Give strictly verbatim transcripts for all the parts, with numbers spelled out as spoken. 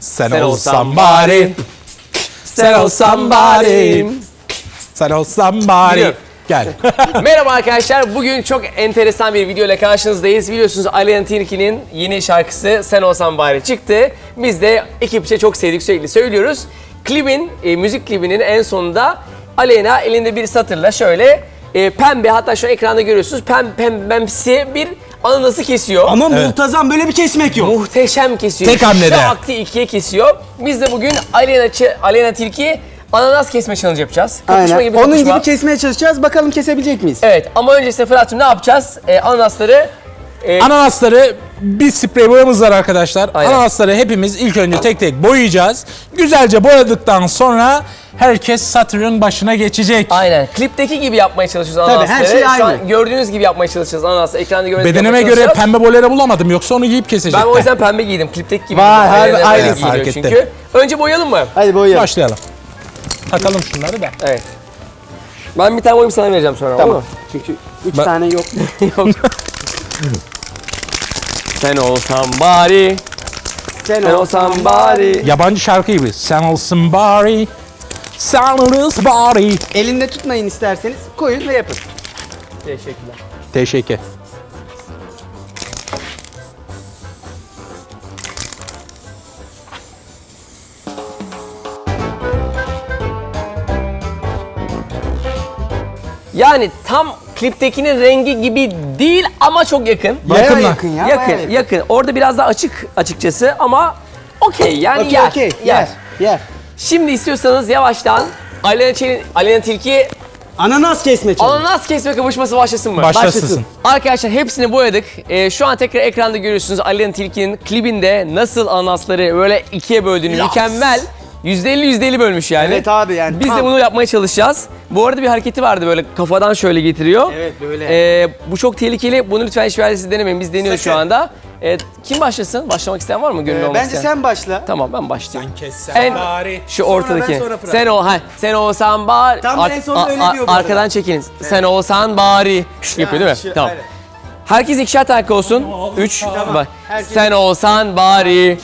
Sen olsan bari. Sen olsan bari. Sen olsan bari. Gel. Merhaba arkadaşlar. Bugün çok enteresan bir video ile karşınızdayız. Biliyorsunuz Aleyna Tilki'nin yeni şarkısı Sen Olsan Bari çıktı. Biz de ekipçe çok sevdik, sürekli söylüyoruz. Klibin, e, müzik klibinin en sonunda Aleyna elinde bir satırla şöyle e, pembe, hatta şu ekranda görüyorsunuz, pem, pembemsi bir ananası kesiyor. Ama muntazam, böyle bir kesmek yok. Muhteşem kesiyor. Tek hamlede. Şaktı ikiye kesiyor. Biz de bugün Aleyna, Aleyna Tilki ananas kesme challenge yapacağız. Kapışma Aynen. gibi Onun kapışma. gibi kesmeye çalışacağız. Bakalım kesebilecek miyiz? Evet, ama öncesinde Fırat'cığım ne yapacağız? Ee, ananasları e, Ananasları bir sprey boyamız var arkadaşlar. Aynen. Ananasları hepimiz ilk önce tek tek boyayacağız. Güzelce boyadıktan sonra herkes satırın başına geçecek. aynen klipteki gibi yapmaya çalışıyoruz Tabii, ananasları. her şey Şu aynı. an gördüğünüz gibi yapmaya çalışacağız ananasları. Ekranda gördüğünüz gibi Bedenime yapmaya göre çalışacağız. pembe boyayla bulamadım, yoksa onu giyip kesecekler. Ben o yüzden pembe giydim. Klipteki gibi. Vay, giydim. harbi Aleyna aynı öyle fark giyiniyor ettim. çünkü. Önce boyayalım mı? Hadi boyayalım. Başlayalım. Takalım şunları da. Evet. Ben bir tane boyayım, sana vereceğim sonra. Tamam. olur mu? Çünkü üç Ben- tane yok. Yok. Sen olsan bari, Sen, sen olsan bari. Yabancı şarkı gibi. Sen olsun bari. Sen olsun bari. Elinde tutmayın isterseniz. Koyun ve yapın. Teşekkürler. Teşekkür. Yani tam kliptekinin rengi gibi değil ama çok yakın. Bayağı Yakın lan. yakın ya. yakın, bayağı yakın. Orada biraz daha açık açıkçası ama okey yani Okey yer, okey. yer. Yer. Yer. Şimdi istiyorsanız yavaştan Aleyna, Çelin, Aleyna Tilki Ananas kesme challenge. ananas kesme kapışması başlasın mı? Başlasın. Arkadaşlar hepsini boyadık. Ee, şu an tekrar ekranda görüyorsunuz Aleyna Tilki'nin klibinde nasıl ananasları böyle ikiye böldüğünü, Yes. mükemmel. yüzde elli yüzde elli bölmüş yani. Evet abi, yani Biz de tam. bunu yapmaya çalışacağız. Bu arada bir hareketi vardı, böyle kafadan şöyle getiriyor. Evet, böyle. Ee, bu çok tehlikeli. Bunu lütfen hiçbir yerde siz denemeyin. Biz deniyoruz şu Sakın. anda. Ee, kim başlasın? Başlamak isteyen var mı? Gönüllü Ee, olmak bence isteyen. sen başla. Tamam, ben başlayayım. Kessen En bari. şu Sonra ortadaki. ben, sonra Fırat. Sen o ha sen olsan bari. Tam en sonunda öyle diyor bu arada. Arkadan çekiniz. Sen olsan bari. Şş, yapıyor değil mi? şu- Tamam. aynen. Herkes ikişer tane olsun. Üç. Tamam. Bak. Herkes- Sen olsan bari.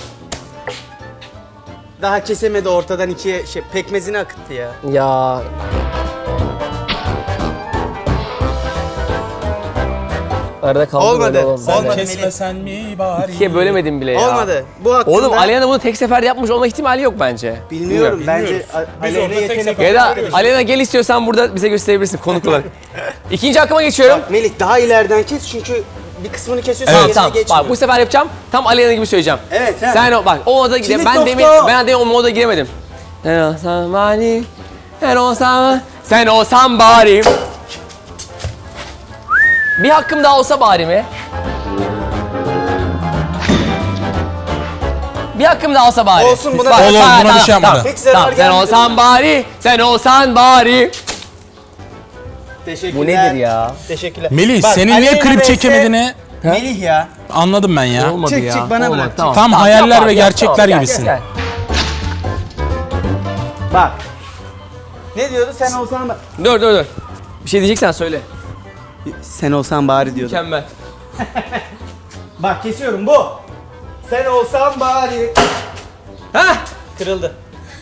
Daha kesemedi, ortadan ikiye şey, pekmezini akıttı ya. Ya. Arada kaldı Olmadı. böyle oğlum. Olmadı. Kesmesen mi bari? İkiye bölemedim bile ya. Olmadı. Bu hakkında Oğlum Aleyna bunu tek seferde yapmış olma ihtimali yok bence. bilmiyorum. Bence Bilmiyoruz. A- Biz Aleyna orada tek yetenek sefer- Ya da Aleyna gel, istiyorsan burada bize gösterebilirsin konuk olarak. İkinci hakkıma geçiyorum. Melih daha ileriden kes çünkü bir kısmını kesiyorsun, Tamam gerisine tamam. geçmiyor. Bak bu sefer yapacağım. Tam Aleyna gibi söyleyeceğim. Evet, he. Sen o bak o moda gide. Kilit Ben nokta demin o. ben de o moda giremedim. Sen olsan bari. Sen olsan sen olsan bari. Bir hakkım daha olsa bari mi? Bir hakkım daha olsa bari. Olsun, buna- Bak, Olur, tamam, buna bir tamam, şey yapmadı. tamam. Pek zarar Tamam, sen gelmedi. olsan bari, sen olsan bari. Teşekkürler. Bu nedir ya? Teşekkürler. Melih, Bak, senin niye Aleyna klip vs. çekemediğini Melih ya. anladım ben ya. Olmadı Çık, ya. çık, bana Olmadı, bırak, çık. Tam hayaller yap ve abi, yap, gerçekler tamam, gel, gibisin. gel, Bak. Ne diyordu? Sen olsan ba- gel. Dur dur dur. Bir şey diyeceksen söyle. Sen olsan bari diyordu. Mükemmel. Bak kesiyorum bu. Sen olsan bari. Hah! Kırıldı.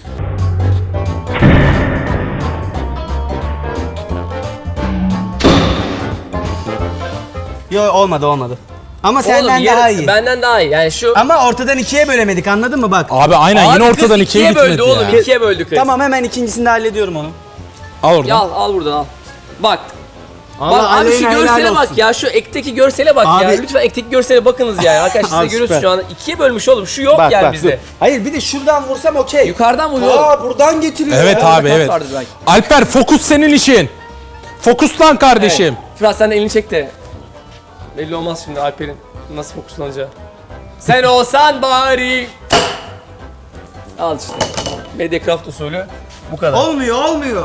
Yo, olmadı olmadı. Ama senden Oğlum, daha yarı- iyi. Benden daha iyi. Yani şu Ama ortadan ikiye bölemedik, anladın mı bak? Abi aynen, Abi yine kız ortadan ikiye ikiye böldü gitmedi oğlum. ya. ikiye böldü kız. Tamam, hemen ikincisini de hallediyorum onu. Al oradan. Ya al, al buradan al. Bak. Allah bak abi şu Aleyna helal görsele bak olsun. ya. Şu ekteki görsele bak ya. Abi- Lütfen ekteki görsele bakınız yani. Arkadaşlar siz de Abi görüyorsunuz süper. şu anda. İkiye bölmüş oğlum. Şu yok Bak yani bak bizde. dur. Hayır, bir de şuradan vursam okey. Yukarıdan vuruyor oğlum. Aa, buradan getiriyor Evet ya. abi, evet. vardır belki. Alper, fokus senin işin. Fokuslan kardeşim. Fırat sen de elini çek de. Belli olmaz şimdi Alper'in nasıl fokuslanacağı. Sen olsan bari. Al işte. Mediacraft usulü bu kadar. Olmuyor, olmuyor.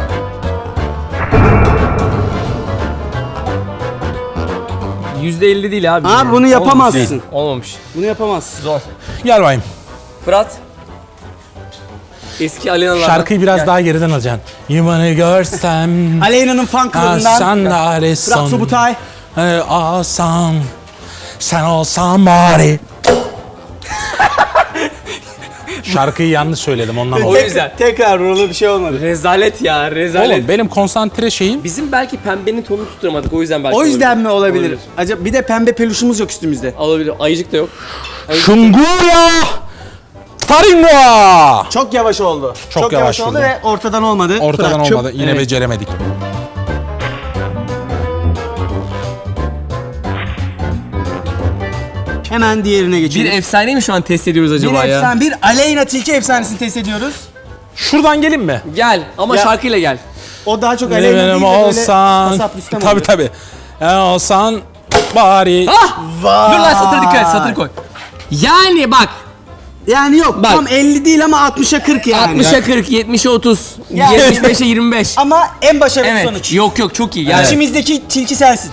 yüzde elli değil abi. Abi bunu yapamazsın. Olmamış. Bunu yapamazsın. Zor. Gel bayım. Fırat. Eski Aleyna'lardan. Şarkıyı biraz Gel. daha geriden alacaksın. Yumanı görsem. Aleyna'nın fan klubundan. Sen de arasın. Fırat Subutay. Alsam. Sen olsan bari. Şarkıyı yanlış söyledim ondan O oldu. yüzden. Tekrar vuruldu bir şey olmadı. Rezalet ya, rezalet. Oğlum benim konsantre şeyim Bizim belki pembenin tonunu tutturamadık, o yüzden belki O yüzden mi olabilir? Olabilir. Acaba bir de pembe peluşumuz yok üstümüzde. Olabilir. Ayıcık da yok. Şunguya Taringa. Çok yavaş oldu. Çok yavaş oldu oldu. ve ortadan olmadı. Ortadan Fırat'cığım. olmadı. Yine Evet. beceremedik. Hemen diğerine Bir geçelim. efsane mi şu an test ediyoruz Bir acaba ya? efsane, bir Aleyna Tilki efsanesini test ediyoruz. Şuradan gelin mi? Gel ama Ya- şarkıyla gel. O daha çok Ne Aleyna değil de benim böyle olsan. kasap Rüstem Tabii oluyor. tabii. E olsan bari. Ah! Vay. Dur lan satıra dikkat et, satır koy. Yani bak, Yani yok Bak. tam elli değil ama altmışa kırk yani. altmışa kırk, yetmişe otuz, Yani- yetmiş beşe yirmi beş. Ama en başarılı Evet. sonuç. Yok yok, çok iyi. Yani İçimizdeki tilki sensin.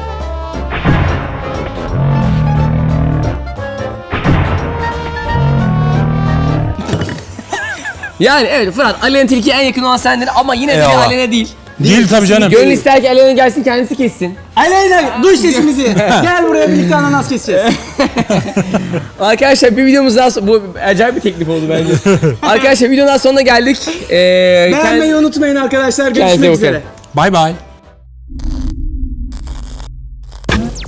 yani evet Fırat, Alena Tilki'ye en yakın olan sendin ama yine de bir Eyvallah. Alena değil. Değil tabii canım. Gönül ister ki Alena gelsin, kendisi kessin. Aleyna duy sesimizi. Gel buraya birlikte ananas keseceğiz. Arkadaşlar bir videomuz daha so- bu acayip bir teklif oldu bence. Arkadaşlar videonun daha sonuna geldik. Ee, Beğenmeyi unutmayın arkadaşlar. Kendinize Görüşmek bakın. üzere. Bay bay.